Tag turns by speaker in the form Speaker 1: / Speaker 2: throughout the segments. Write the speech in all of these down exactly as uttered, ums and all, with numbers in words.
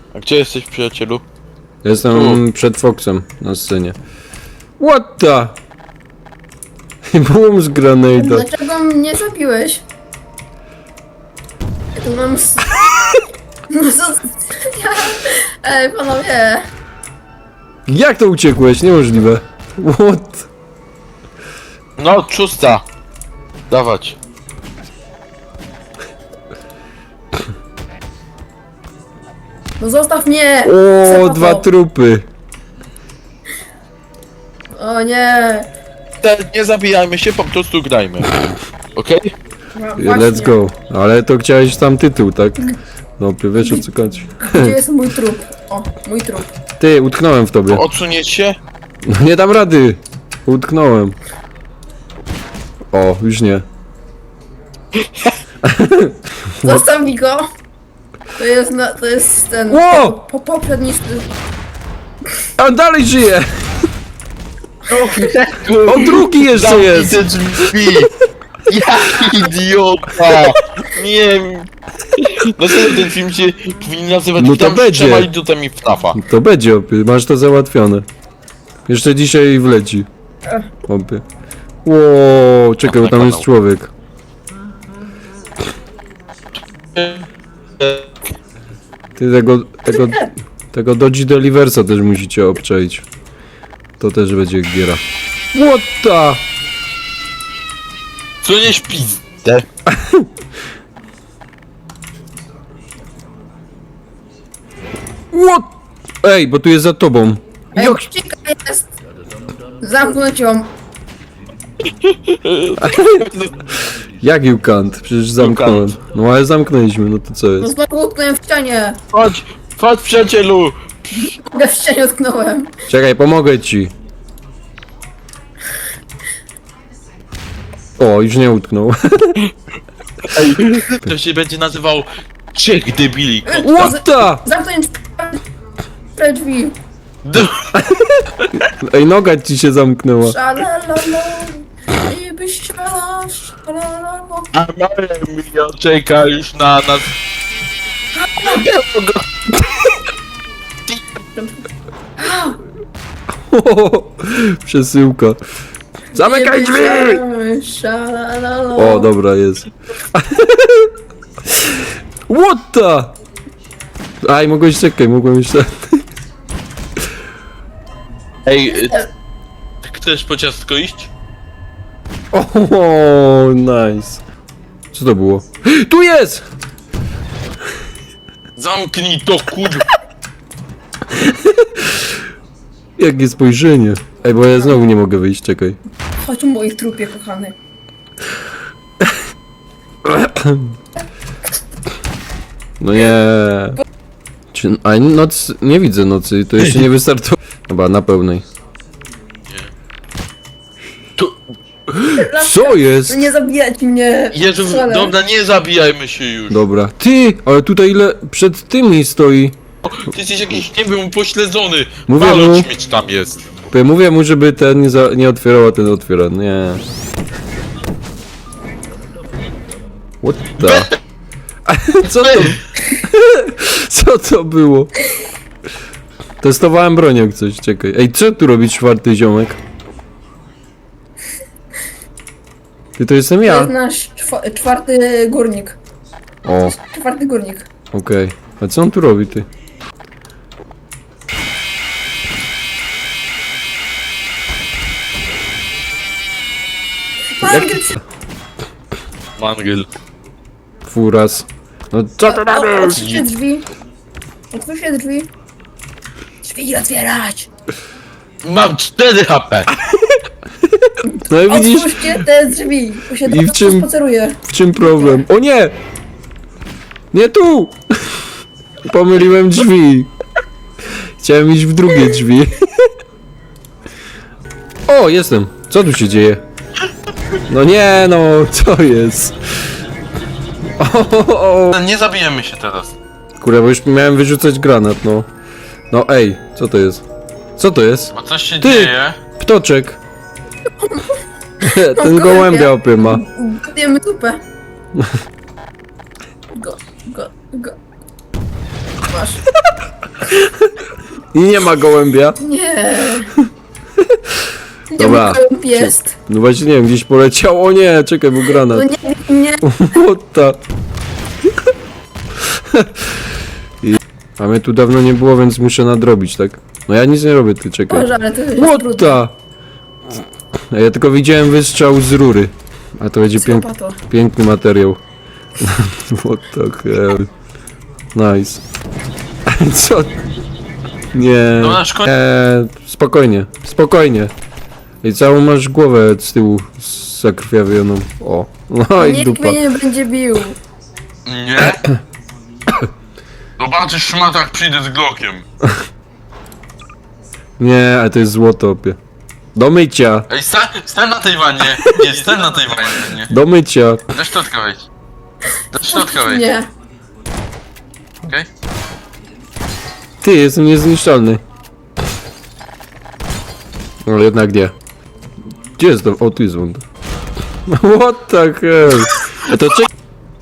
Speaker 1: A gdzie jesteś, przyjacielu?
Speaker 2: Jestem
Speaker 1: Tu.
Speaker 2: przed Foxem na scenie. What the? Boom z granada.
Speaker 3: Dlaczego mnie zabiłeś? Ja tu mam... s- No co... Ja... Ej, panowie!
Speaker 2: Jak to uciekłeś? Niemożliwe. What?
Speaker 1: No, szósta. Dawać.
Speaker 3: No zostaw mnie!
Speaker 2: O,
Speaker 3: Psychoto.
Speaker 2: dwa trupy.
Speaker 3: O nie!
Speaker 1: Te, nie zabijajmy się, po prostu grajmy. Okej?
Speaker 3: No,
Speaker 2: Let's
Speaker 3: właśnie.
Speaker 2: go. Ale to chciałeś tam tytuł, tak? No, wiesz o co chodzi.
Speaker 3: Gdzie jest mój trup? O, mój trup.
Speaker 2: Ty, utknąłem w tobie.
Speaker 1: Odsunieć się?
Speaker 2: No nie dam rady. Utknąłem. O, już nie.
Speaker 3: Zostaw mi go! To jest na... to jest ten...
Speaker 2: Ło!
Speaker 3: Po, poprzedni...
Speaker 2: A on dalej żyje! O, drugi jeszcze
Speaker 1: Zamknij
Speaker 2: jest!
Speaker 1: te drzwi! Jaki idiota! Nie... Dlaczego ten film się powinien nazywać
Speaker 2: No to
Speaker 1: Witam z
Speaker 2: będzie.
Speaker 1: trzema idiotami w tafa?
Speaker 2: To będzie, opie. Masz to załatwione. Jeszcze dzisiaj wleci. Opie. Ło, czekaj, bo tam jest człowiek. Ty tego, tego, tego Dodge Deliversa też musicie obczaić. To też będzie giera. What the?
Speaker 1: Co nie śpizdę?
Speaker 2: What? Ej, bo tu jest za tobą.
Speaker 3: Ej,
Speaker 2: Jak?
Speaker 3: uciekaj, jest! Zamknąć ją!
Speaker 2: Jak you can't? Przecież zamknąłem. No ale zamknęliśmy, no to co
Speaker 3: No
Speaker 2: jest?
Speaker 3: znowu utknąłem w ścianie!
Speaker 1: Chodź, chodź przyjacielu!
Speaker 3: Ja w ścianie utknąłem!
Speaker 2: Czekaj, pomogę ci. O, już nie utknął.
Speaker 1: Ej, to się będzie nazywał Trzech debili.
Speaker 2: What the?
Speaker 3: Zamknąć te drzwi!
Speaker 1: D-
Speaker 2: Ej, noga ci się zamknęła.
Speaker 3: Szalalala, i byś szalala, szalalala.
Speaker 1: A Maria czeka już na nas.
Speaker 2: Przesyłka. Zamykaj
Speaker 3: I byś
Speaker 2: drzwi!
Speaker 3: szalala, szalalala.
Speaker 2: O, dobra, jest. What the? Aj, mogłeś czekaj, mogłem jeszcze...
Speaker 1: Ej, y, chcesz po ciastko iść?
Speaker 2: O, nice. Co to było? Tu jest!
Speaker 1: Zamknij to kurwa!
Speaker 2: Jakie spojrzenie. Ej, bo ja znowu nie mogę wyjść, czekaj.
Speaker 3: Chodź o moich trupie, kochany.
Speaker 2: No nie. Czy, a noc... nie widzę nocy, to jeszcze nie wystartowało. Chyba na pełnej.
Speaker 1: To,
Speaker 2: Co jest?
Speaker 3: Nie zabijać mnie!
Speaker 1: Jezu,
Speaker 3: Strzelę.
Speaker 1: dobra, nie zabijajmy się już.
Speaker 2: Dobra. Ty, ale tutaj ile przed tymi stoi.
Speaker 1: Ty jesteś jakiś, nie wiem, pośledzony.
Speaker 2: Mówię
Speaker 1: Mało
Speaker 2: mu.
Speaker 1: śmieć tam jest.
Speaker 2: Ja mówię mu, żeby ten nie, za, nie otwierał, a ten otwiera. Nie. What the? Co to? Co to było? Testowałem broń jak coś, czekaj. Ej, co tu robi czwarty ziomek? Ty to jestem
Speaker 3: To
Speaker 2: ja.
Speaker 3: jest nasz czwa- czwarty górnik.
Speaker 2: O,
Speaker 3: Czwarty górnik.
Speaker 2: okej. A co on tu robi, ty?
Speaker 3: Mangel,
Speaker 1: Mangel.
Speaker 2: Furas. No co to tam jest?
Speaker 3: otwórzcie drzwi. Otwórzcie drzwi. Drzwi otwierać.
Speaker 1: Mam cztery H P.
Speaker 2: No i widzisz,
Speaker 3: Otwórzcie te drzwi. Bo się
Speaker 2: I w czym-
Speaker 3: spaceruję.
Speaker 2: w czym problem? O nie! Nie tu! Pomyliłem drzwi. Chciałem iść w drugie drzwi. O, jestem. Co tu się dzieje? No nie, no, co jest? O, o, o.
Speaker 1: Nie zabijemy się teraz.
Speaker 2: Kurde, bo już miałem wyrzucać granat, no. No ej, co to jest? Co to jest?
Speaker 1: Bo coś się
Speaker 2: Ty!
Speaker 1: dzieje.
Speaker 2: Ptoczek. Ten
Speaker 3: gołębia.
Speaker 2: gołębia opyma.
Speaker 3: Gotujemy zupę. Go, go, go. Masz.
Speaker 2: I nie ma gołębia.
Speaker 3: Nie. Gdzie
Speaker 2: Dobra.
Speaker 3: mój gołąb jest?
Speaker 2: No właśnie nie wiem, gdzieś poleciał. O nie, czekaj, był granat.
Speaker 3: No nie, nie.
Speaker 2: What the... I... A mnie tu dawno nie było, więc muszę nadrobić, tak? No ja nic nie robię, ty czekaj.
Speaker 3: Boże, ale to jest
Speaker 2: What
Speaker 3: trudne.
Speaker 2: the... A ja tylko widziałem wystrzał z rury. A to będzie pięk...
Speaker 3: Psychopato.
Speaker 2: piękny materiał. What the hell. Nice. Co? Nie.
Speaker 1: No na szkodę.
Speaker 2: Eee, spokojnie, spokojnie. I całą masz głowę z tyłu zakrwawioną. O, no i
Speaker 3: Nikt
Speaker 2: dupa.
Speaker 3: mnie nie będzie bił.
Speaker 1: Nie? Zobaczysz szmata, jak przyjdę z Glockiem.
Speaker 2: Nie, ale to jest złoto, opie. Do mycia,
Speaker 1: Ej, stań, stań na tej wannie. Nie, stań na tej wannie.
Speaker 2: do mycia.
Speaker 1: Do środka wejdź. Do środka wejdź.
Speaker 3: Nie.
Speaker 1: Okej?
Speaker 2: Ty, jestem niezniszczalny. No jednak nie. Gdzie jest to? O, tu jest on. What the hell? A to czekaj.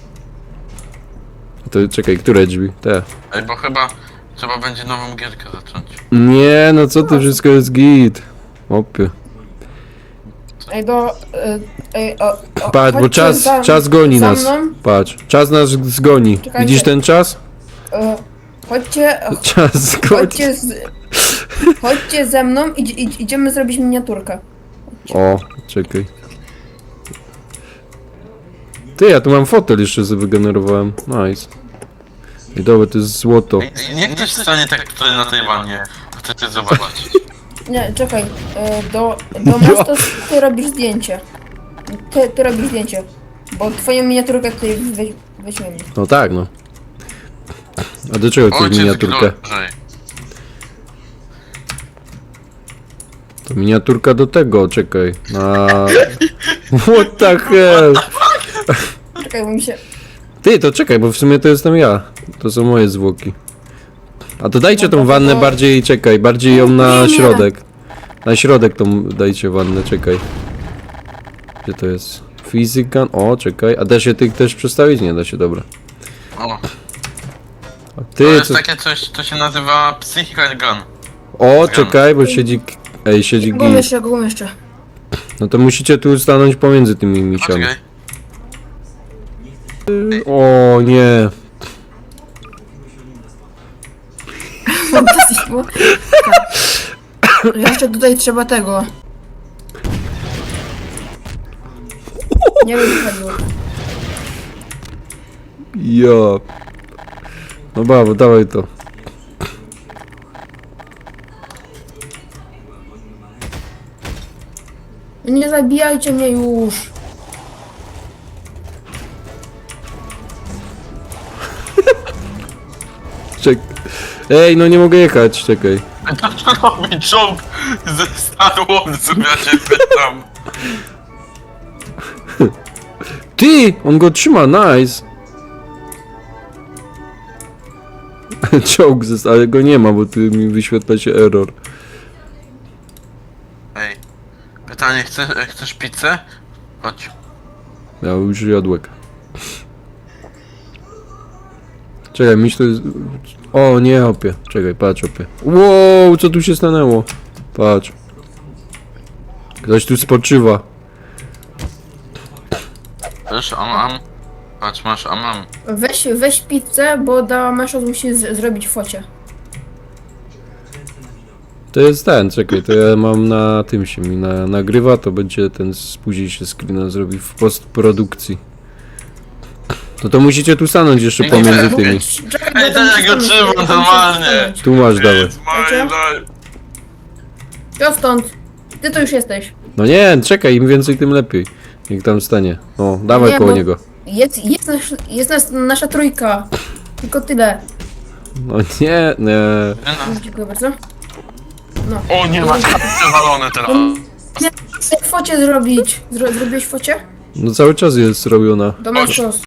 Speaker 2: To czekaj, które drzwi? Te.
Speaker 1: Ej, bo chyba trzeba będzie nową gierkę zacząć.
Speaker 2: Nie, no co ty, wszystko jest git. Opie.
Speaker 3: Ej, do... y, Ej, o, o,
Speaker 2: Patrz, bo
Speaker 3: chodźcie
Speaker 2: czas,
Speaker 3: za-
Speaker 2: czas goni
Speaker 3: za
Speaker 2: nas.
Speaker 3: mną.
Speaker 2: Patrz, czas nas zgoni.
Speaker 3: Czekajcie.
Speaker 2: Widzisz ten czas?
Speaker 3: Y, Chodźcie,
Speaker 2: Czas zgoni.
Speaker 3: chodźcie z... Chodźcie ze mną i idź, idziemy zrobić miniaturkę.
Speaker 2: O, czekaj. Ty, ja tu mam fotel jeszcze sobie wygenerowałem. Nice. I dobra, to jest złoto.
Speaker 1: Ej, nie ktoś stanie tak tutaj na tej wannie. Chcecie zobaczyć.
Speaker 3: Nie, czekaj. y, Do, do Mastos ty robisz zdjęcie. Ty, ty robisz zdjęcie. Bo twoją miniaturkę tutaj weź, weźmiemy.
Speaker 2: No tak, no. A do czego to jest
Speaker 1: Ojciec
Speaker 2: miniaturka?
Speaker 1: Glory.
Speaker 2: To miniaturka do tego, czekaj. Na... What the hell?
Speaker 3: Czekaj, bo mi się...
Speaker 2: Ty, to czekaj, bo w sumie to jestem ja. To są moje zwłoki. A to dajcie tą wannę bardziej, czekaj, bardziej ją na
Speaker 3: Nie, nie.
Speaker 2: środek. Na środek tą dajcie wannę, czekaj. Gdzie to jest? Physical, o, czekaj. A da się tych też przestawić? Nie da się, dobra.
Speaker 1: O,
Speaker 2: A
Speaker 1: to
Speaker 2: ty,
Speaker 1: jest
Speaker 2: co...
Speaker 1: takie coś, to się nazywa Psychical Gun.
Speaker 2: O, czekaj, bo siedzi... Ej, siedzi
Speaker 3: Go
Speaker 2: gin.
Speaker 3: jeszcze, go jeszcze.
Speaker 2: No to musicie tu stanąć pomiędzy tymi misiami.
Speaker 1: Poczekaj.
Speaker 2: O, nie.
Speaker 3: Jeszcze tutaj trzeba tego. Nie wiem, co chodziło.
Speaker 2: Ja. No brawo, dawaj to.
Speaker 3: Nie zabijajcie mnie już.
Speaker 2: Czek... Ej, no nie mogę jechać, czekaj.
Speaker 1: To robi czołg ze Star Warsów, ja się pytam.
Speaker 2: Ty! On go trzyma, nice! Czołg, zes- ale go nie ma, bo tu mi wyświetla się error.
Speaker 1: Ej, pytanie, chcesz, chcesz pizzę? Chodź.
Speaker 2: Ja już jadłek. Czekaj, myśl to jest... O, nie, opie. Czekaj, patrz, opie. Wow, co tu się stanęło? Patrz. Ktoś tu spoczywa.
Speaker 1: Wiesz, am, am. Patrz, masz am, am.
Speaker 3: Weź, weź pizzę, bo dała Meszos musi z- zrobić focie.
Speaker 2: To jest ten, czekaj, to ja mam na tym się mi na, nagrywa, to będzie ten, z- później się screena zrobi w postprodukcji. To to musicie tu stanąć jeszcze
Speaker 1: Nie, nie,
Speaker 2: pomiędzy
Speaker 1: nie,
Speaker 2: tymi.
Speaker 3: Czekaj,
Speaker 1: Ej,
Speaker 3: bo
Speaker 1: to
Speaker 3: tam
Speaker 1: ja go
Speaker 3: się
Speaker 1: trzymam
Speaker 3: stanąć,
Speaker 1: normalnie.
Speaker 3: tam się stanąć.
Speaker 2: Tu masz, dawaj.
Speaker 1: It's my life.
Speaker 3: Ja stąd. Ty to już jesteś.
Speaker 2: No nie, czekaj, im więcej tym lepiej. Niech tam stanie. O, dawaj
Speaker 3: Nie,
Speaker 2: koło
Speaker 3: bo-
Speaker 2: niego.
Speaker 3: Jest, jest, nasz, jest nas, nasza trójka. Tylko tyle.
Speaker 2: No nie, nie.
Speaker 3: Dziękuję bardzo. No.
Speaker 1: O, nie ma przewalone teraz.
Speaker 3: Chcę focie zrobić. Zro, zrobiłeś focie?
Speaker 2: No cały czas jest robiona.
Speaker 3: Do Meszos.